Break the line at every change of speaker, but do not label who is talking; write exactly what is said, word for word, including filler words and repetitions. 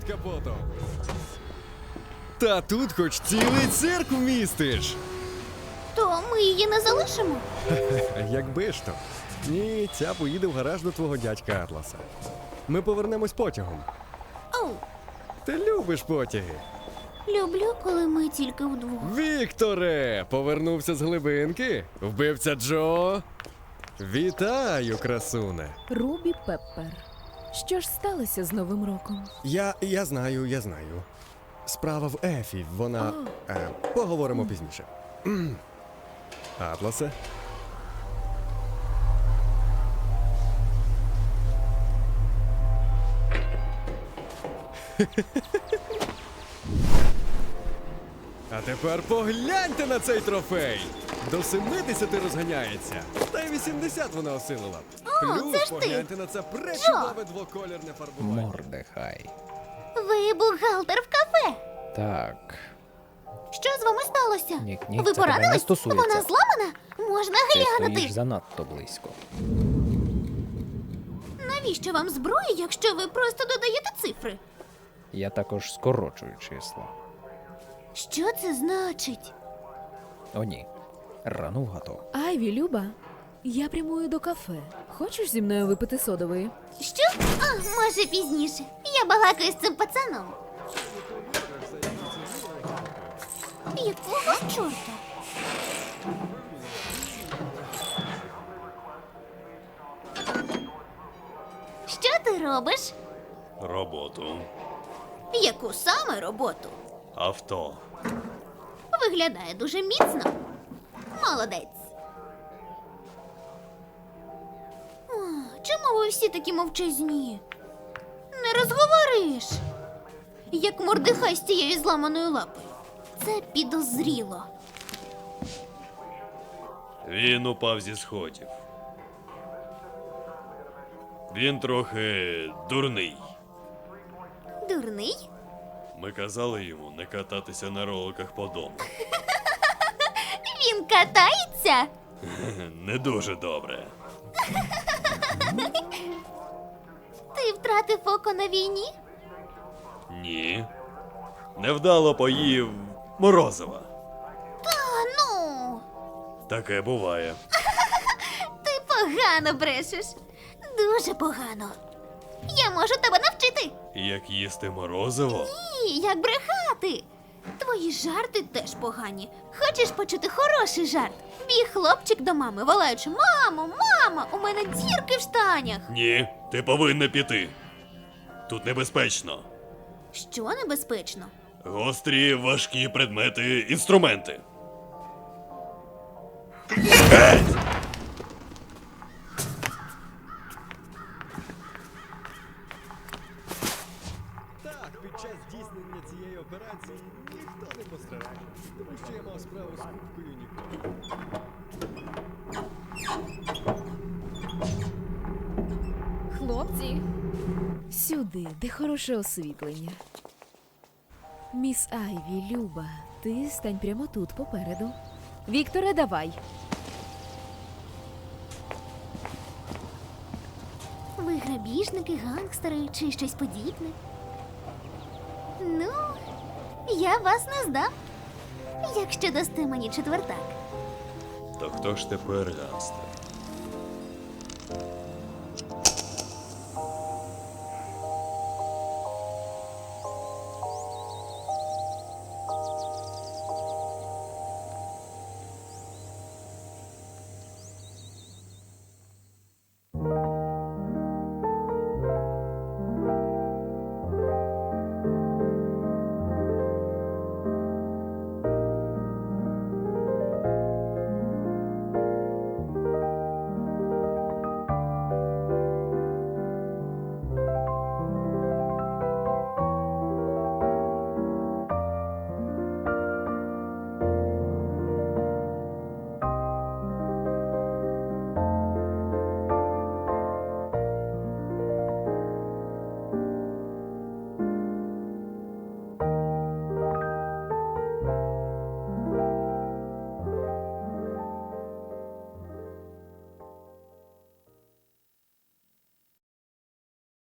під капотом. Та тут хоч цілий цирк вмістиш.
То ми її не залишимо?
Якби ж то. Ні, ця поїде в гараж до твого дядька Атласа. Ми повернемось потягом.
Оу,
Ти любиш потяги?
люблю, коли ми тільки вдвох.
Вікторе! Повернувся з глибинки? Вбивця Джо? Вітаю, красуне!
Рубі Пеппер. Що ж сталося з Новим роком?
Я, я знаю, я знаю. Справа в Ефі, вона... Е, поговоримо пізніше. М. Атласе? А тепер погляньте на цей трофей! До семидесяти розганяється, та й вісімдесят вона осилила.
О, це ж ти!
Погляньте на це пречудове двоколірне фарбування.
Мордехай.
Ви бухгалтер в кафе.
Так.
Що з вами сталося?
Ні, ні,
Ви
це тебе не
поранились?
стосується.
Вона зламана? Можна
Ти
глянути.
стоїш занадто близько.
Навіщо вам зброя, якщо ви просто додаєте цифри?
Я також скорочую числа.
Що це значить?
О, ні. Рано вгадав.
Айві, Люба, я прямую до кафе. Хочеш зі мною випити содової?
Що? А, може пізніше. Я балакаю з цим пацаном. Якого чорта? Що ти робиш?
Роботу.
Яку саме роботу?
Авто.
Виглядає дуже міцно. Молодець. О, чому ви всі такі мовчазні? Не розговориш. Як Мордехай з тією зламаною лапою. Це підозріло.
Він упав зі сходів. Він трохи дурний.
Дурний?
Ми казали йому не кататися на роликах по дому.
Він катається?
Не дуже добре.
Ти втратив око на війні?
Ні. Невдало поїв морозива.
Та ну,
Таке буває.
ти погано брешеш. Дуже погано. Я можу тебе навчити.
Як їсти морозиво?
Ні, як брехати. Твої жарти теж погані. Хочеш почути хороший жарт? Біг хлопчик до мами, волаючи: мамо, мама, у мене дірки в штанях.
Ні, ти повинна піти. Тут небезпечно.
Що небезпечно?
Гострі, важкі предмети, інструменти.
Так, під час здійснення цієї операції ніхто не постраждав, тому що я мав справу з кубкою ніколи.
Хлопці, сюди, де хороше освітлення. Міс Айві, Люба, ти стань прямо тут, попереду. Вікторе, давай.
Ви грабіжники, гангстери чи щось подібне? Ну, я вас не здам. Якщо дасте мені четвертак.
То хто ж тепер гангстер?